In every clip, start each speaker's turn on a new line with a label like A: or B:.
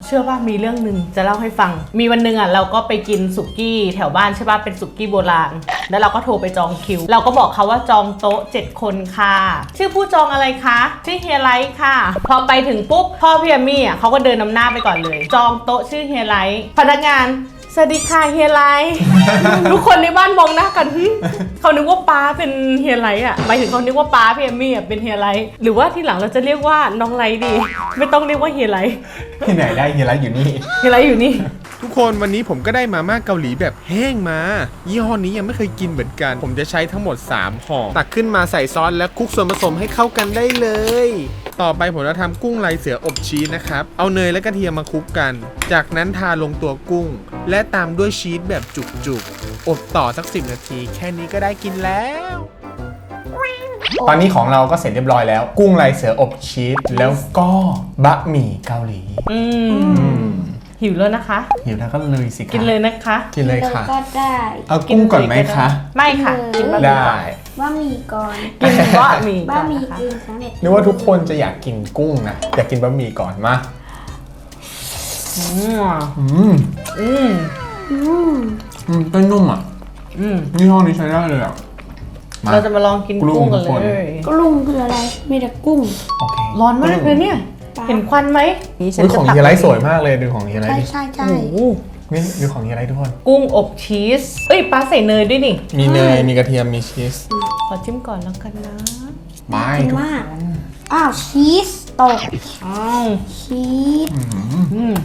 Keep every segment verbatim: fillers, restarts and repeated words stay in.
A: เชื่อว่ามีเรื่องหนึ่งจะเล่าให้ฟังมีวันหนึ่งอ่ะเราก็ไปกินสุกี้แถวบ้านใช่ป่ะเป็นสุกี้โบราณแล้วเราก็โทรไปจองคิวเราก็บอกเขาว่าจองโต๊ะเจ็ดคนค่ะชื่อผู้จองอะไรคะชื่อเฮียไลท์ค่ะพอไปถึงปุ๊บพ่อพี่แอมมี่อ่ะเขาก็เดินนำหน้าไปก่อนเลยจองโต๊ะชื่อเฮียไลท์พนักงานสวัสดีค่ะเฮียไลท์ ทุกคนในบ้านมองหน้ากันเขานึกว่าป้าเป็นเฮียไลท์อ่ะหมายถึงเขานึกว่าป้าพี่แอมมี่อ่ะเป็นเฮียไลท์หรือว่าทีหลังเราจะเรียกว่าน้องไลท์ดีไม่ต้องเรียกว่าเฮียไลท์
B: ที่ไหนได้เฮียไลท์อยู่นี่
A: เฮียไลท์อยู่นี่
C: ทุกคนวันนี้ผมก็ได้มาม่าเกาหลีแบบแห้งมายี่ห้อนี้ยังไม่เคยกินเหมือนกันผมจะใช้ทั้งหมดสามห่อตักขึ้นมาใส่ซอสและคลุกส่วนผสมให้เข้ากันได้เลยต่อไปผมจะทำกุ้งลายเสืออบชีสนะครับเอาเนยและกระเทียมมาคลุกกันจากนั้นทาลงตัวกุ้งและตามด้วยชีสแบบจุกๆอบต่อสักสิบนาทีแค่นี้ก็ได้กินแล้ว
B: ตอนนี้ของเราก็เสร็จเรียบร้อยแล้วกุ้งลายเสืออบชีสแล้วก็บะหมี่เกาหลี
A: อืมหิวแล้วนะคะ
B: หิวแล้วก็เลยสิ
A: กินเลยนะคะ
B: กินเลยค่ะ
D: ก็ได้
B: เอากุ้งก่อนไหมคะ
A: ไม่ค่ะกินบะหมี่
B: ได้
D: บะหมี่ก่อน
A: กินบะหมี่
D: บะหมี่กินสำเร็จ
B: นึกว่าทุกคนจะอยากกินกุ้งนะอยากกินบะหมี่ก่อนมา
A: อืม
B: อืม
A: อืม
D: อืม
B: อืมต้นนุ่มอ่ะ
A: อืม
B: ยี่ห้อนี้ใช้ได้เลยอ่ะ
A: เราจะมาลองกินกุ้งกันเลย
D: กรุงคืออะไรมีแต่กุ้ง
B: โอเค
A: ร้อนมากเลยเนี่ยเห็นควันไหม
B: นี่ของเฮียไลท์สวยมากเลยดูของเฮียไลท์
D: ใช่ใช่ใช่
B: นี่ดูของเฮียไลท์ทุกคน
A: กุ้งอบชีสเอ้ยปลาใส่เนยด้วยนี่
B: มีเนยมีกระเทียมมีชีส
A: ขอจิ้มก่อนแล้วกันนะ
B: ไม่ทุกคน
D: อ้าวชีสตก
A: อ้าว
D: ชีส
A: อืมอืม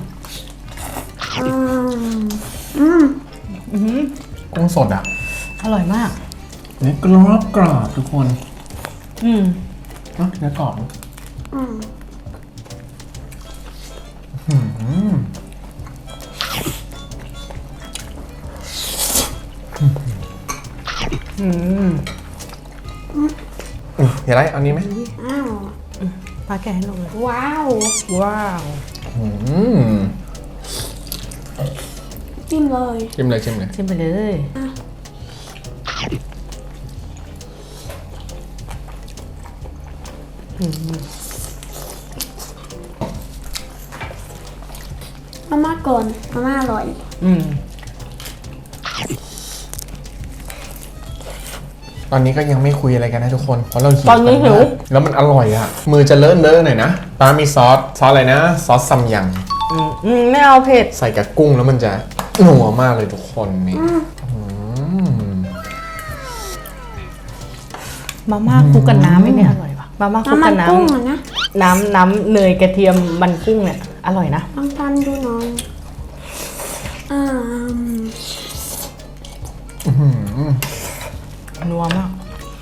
D: อืม
A: อืม
B: กุ้งสดอ่ะ
A: อร่อยมาก
B: นี่กรอบกรอบทุกคน
A: อืม
B: อ่ะเนื้อกรอบ
D: อืม
B: อืม
A: อืม
B: เฮียไลท์เอานี้ไหม
D: อ้าว
A: ปลาแกะให้ลงเลย
D: ว้าว
A: ว้าว
B: อืม
D: จิ้มเลย
B: จิ้มเลยจิ้มเลย
A: จิ้มไปเลย
D: มาม่าก่อนมาม่าอร่อย
A: อืม
B: ตอนนี้ก็ยังไม่คุยอะไรกันนะทุกคนเพราะเราหิว
A: ตอนนี้หิว
B: แล้วมันอร่อยอ่ะมือจะเลอะเลอะหน่อยนะป้ามีซอสซอสอะไรนะซอสซัมยัง
A: อืมอืมไม่เอาเผ็ด
B: ใส่กับกุ้งแล้วมันจะนัวมากเลยทุกคนนี่
A: มาม่าคลุกกับน้ำไม่เนี่ยอร่อยปะมาม่าคลุกกับน้ำน้ำน้ำเนยกระเทียมมันกุ้งเนี่ยอร่อยนะ
D: ลองทานดูหน่อยอ่า
A: นัวมาก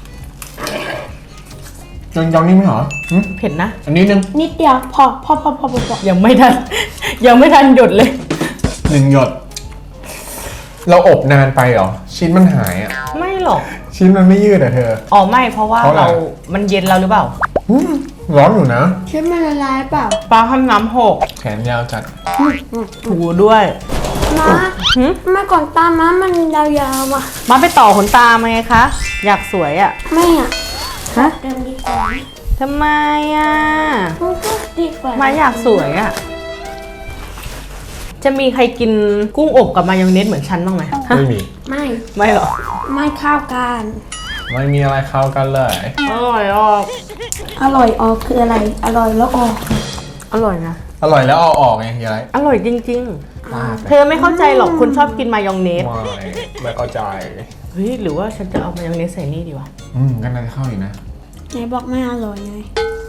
B: ยังยังนี่ไม่เหรอ
A: เผ็ดนะ
B: อันนี้นึง
D: นิดเดียวพอพอพอพอพอ
A: ยังไม่ทันยังไม่ทันหยดเลย
B: หนึ่งหยดเราอบนานไปเหรอชิ้นมันหายอ่ะ
A: ไม่หรอก
B: ชิ้นมันไม่ยืดอ่ะเธอ
A: อ๋อไม่เพราะว่าเรามันเย็นเราหรือเปล่า
B: ร้อนอยู่นะ
D: ชิ้นมันละลายเปล่า
A: ปลาทำน้ำหก
B: แขนยาวจัด
A: ถูด้วย
D: มามาก่อนตาม้ามันยาวๆว่ะ
A: มาไปต่อขนตามาไงคะอยากสวยอ่ะ
D: ไม่อ่ะ
A: ฮะ
D: เดิมดีกว่า
A: ทำไมอ่ะ
D: ดีกว่า
A: มาอยากสวยอ่ะจะมีใครกินกุ้งอบกับมายองเนสเหมือนฉันบ้างไหม
B: ไม่มี
D: ไม่
A: ไม่หรอ
D: ไม่เข้ากัน
B: ไม่มีอะไรเข้ากันเลย
A: อร่อยออก
D: อร่อยออกคืออะไรอร่อยแล้วออก
A: อร่อยนะ
B: อร่อยแล้วเอาออกไงเฮียไร
A: อร่อยจริงๆเธอไม่เข้าใจหรอกคุณชอบกินมายองเนส
B: ไม่ไม่เข้าใจ
A: เฮ้ยหรือว่าฉันจะเอามายองเนสใส่นี่ดีวะ
B: อืมกันน่าจะเข้าอยู่นะ
D: ไหนบอกไม่อร่อยไง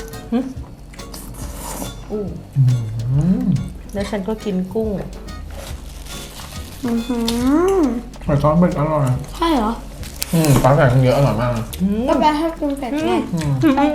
A: อู้แล้วฉันก็กินกุ้ง
D: อือหือ
B: ใส่ซอสเผ็ดอร่อย
D: ใช่เหรอ
B: อืมปลาแผ่นเยอะอร่อยมาก
D: ก็แปลให้กินเผ็ดไง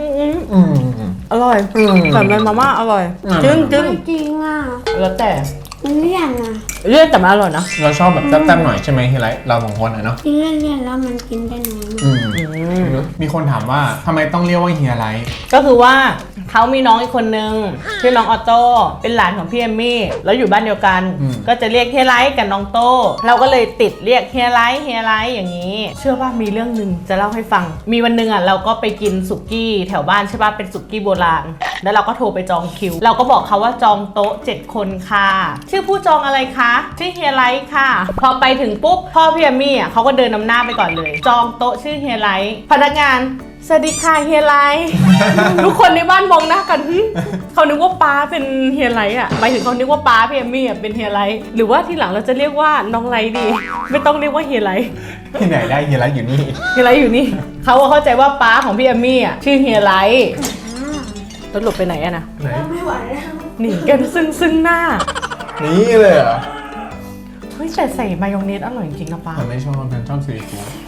A: อร่อยใส่เป็นมาม่าอร่อยจึ้งจึ้ง
D: จริงอ่ะ
A: แล้วแต่
D: มันเลี่ยนอ่ะ
A: เลือดแต่มันอร่อยนะ
B: เราชอบแบบแซ่บๆหน่อยใช่ไหมเฮียไรเราสองคนอ่ะเนาะ
D: กินเลี่ยนๆแล้วมันกินได้น้อย
B: อืม
A: อืม
B: มีคนถามว่าทำไมต้องเรียกว่าเฮียไร
A: ก็คือว่าเขามีน้องอีกคนนึงชื่อน้องออโต้เป็นหลานของพี่เอมมี่แล้วอยู่บ้านเดียวกัน ก็จะเรียกเฮียไลท์กับน้องโต้เราก็เลยติดเรียกเฮียไลท์เฮียไลท์อย่างนี้ เชื่อว่ามีเรื่องหนึ่งจะเล่าให้ฟัง มีวันหนึ่งอ่ะเราก็ไปกินสุกี้แถวบ้านใช่ป่ะเป็นสุกี้โบราณแล้วเราก็โทรไปจองคิว เราก็บอกเขาว่าจองโต๊ะเจ็ดคนค่ะชื่อผู้จองอะไรคะชื่อเฮียไลท์ค่ะ พอไปถึงปุ๊บพ่อพี่เอมมี่อ่ะเขาก็เดินนำหน้าไปก่อนเลย จองโต๊ะชื่อเฮียไลท์พนักงานสวัสดีค่ะเฮียไลท์ ทุกคนในบ้านมองหน้ากันหึเขานึกว่าป้าเป็นเฮียไลท์อ่ะหมายถึงเขานึกว่าป้าพี่เอมมี่อ่ะเป็นเฮียไลท์หรือว่าทีหลังเราจะเรียกว่าน้องไลท์ดี ไม่ต้องเรียกว่าเฮียไลท์
B: ที่ไหนได้เฮียไรอยู่นี่
A: เฮียไลท์อยู่นี่เขาก็เข้าใจว่าป้าของพี่เอมมี่อ่ะชื่อเฮียไลท์แล้วหลบไปไหนอะนะ
B: ไหน
D: ไม่ไหวแล้ว
A: หนีกันซึ่งซึ่งหน้า
B: นี่เลยเหรอ
A: เฮ้ยแต่ใส่มายองเนสอร่อยจริงๆนะป้า
B: ฉันไม่ชอบฉันชอบซีฟู้ด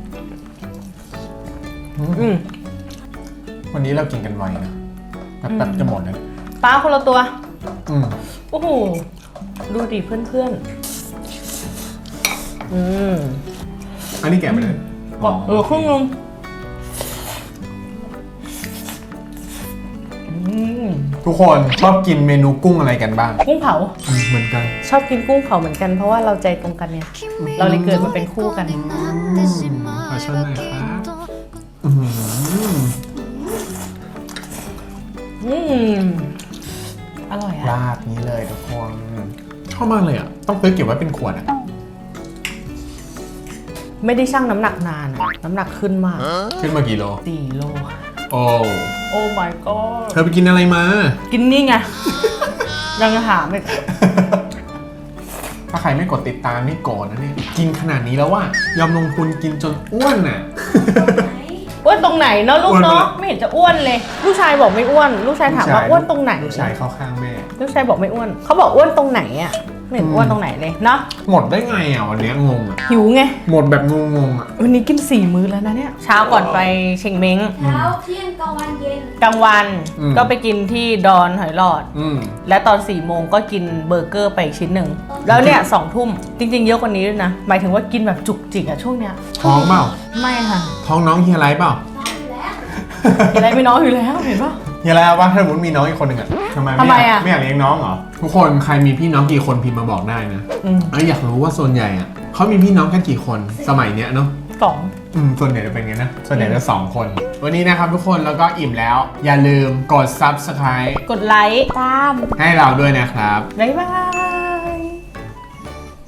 A: อืม
B: วันนี้เรากินกันไวนะแบบแบบจะหมดเลย
A: ป้าคนละตัว
B: อืม
A: โอ้โหดูดิเพื่อนๆอืม
B: อันนี้แกะไปเลย
A: ก็เออครึ่งนึงอืม
B: ทุกคนชอบกินเมนูกุ้งอะไรกันบ้าง
A: กุ้งเผา
B: อืมเหมือนกัน
A: ชอบกินกุ้งเผาเหมือนกันเพราะว่าเราใจตรงกันเนี่ย เราเลยเกิดมาเป็นคู่กัน
B: ขอชมหน่อยครับอืม
A: อืมอร่อยอะ
B: ราดนี้เลยทุกคนชอบมากเลยอ่ะ ต้องซื้อเก็บไว้เป็นขวดอ่ะ
A: ไม่ได้ชั่งน้ำหนักนานอะน้ำหนักขึ้นมาก
B: ขึ้นมากี่โล
A: สี่โล
B: โอ้
A: โอ้ my god
B: เธอไปกินอะไรมา
A: กินนี่ไง ยังถามอีก
B: ถ้าใครไม่กดติดตามนี่โกรธนะเนี่ย กินขนาดนี้แล้วว่ายอมลงทุนกินจนอ้วนน่ะ
A: อ้วนตรงไหนเนาะลูกเนาะ
B: อ้วนไปละ
A: ไม่เห็นจะอ้วนเลย ลูกชายบอกไม่อ้วน ลูกชายถามว่าอ้วนตรงไหน
B: ลูกชายเข้าข้างแม่
A: ลูกชายบอกไม่อ้วน เขาบอกอ้วนตรงไหนอะไม่เห็นอ้วนตรงไหนเลยเนาะ
B: หมดได้ไงอ่ะวันเนี้ยงงอ่ะ
A: หิวไง
B: หมดแบบงงๆอ่ะ
A: วันนี้กินสี่มื้อแล้วนะเนี่ย เช้าก่อนไปเชงเม้ง
D: เช้าเที่ยงกลางวันเย็น
A: กลางวัน
B: อืม
A: ก็ไปกินที่ดอนหอยหลอด
B: อืม
A: และตอนสี่โมงก็กินเบอร์เกอร์ไปอีกชิ้นหนึ่ง แล้วเนี่ยสองทุ่มจริงๆเยอะกว่านี้ด้วยนะ หมายถึงว่ากินแบบจุกจิกอะช่วงเนี้ย
B: ท้องเปล่า
A: ไม่ค่ะ
B: ท้องน้องเฮียไรเปล่า
A: อะไรไม่น้อยอยู่แล้วเห็นปะ
B: เฮียไรว่าถ้าสมมติมีน้องอีกคนหนึ่งอ่ะทำไม
A: ทำไม
B: ไม่อยาก
A: อะ
B: ไม่อยากเลี้ยงน้องเหรอ ทุกคนใครมีพี่น้องกี่คนพิมพ์มาบอกได้นะ
A: อืม
B: เอ้ยอยากรู้ว่าส่วนใหญ่อ่ะเขามีพี่น้องกันกี่คนสมัยเนี้ยเนาะ
A: สอง
B: อืมส่วนใหญ่จะเป็นไงนะ ส่วนใหญ่จะสองคน วันนี้นะครับทุกคนแล้วก็อิ่มแล้ว อย่าลืมกด ซับสไครบ์
A: กดไลค์
D: ตาม
B: ให้เราด้วยนะครับ
A: บ๊ายบาย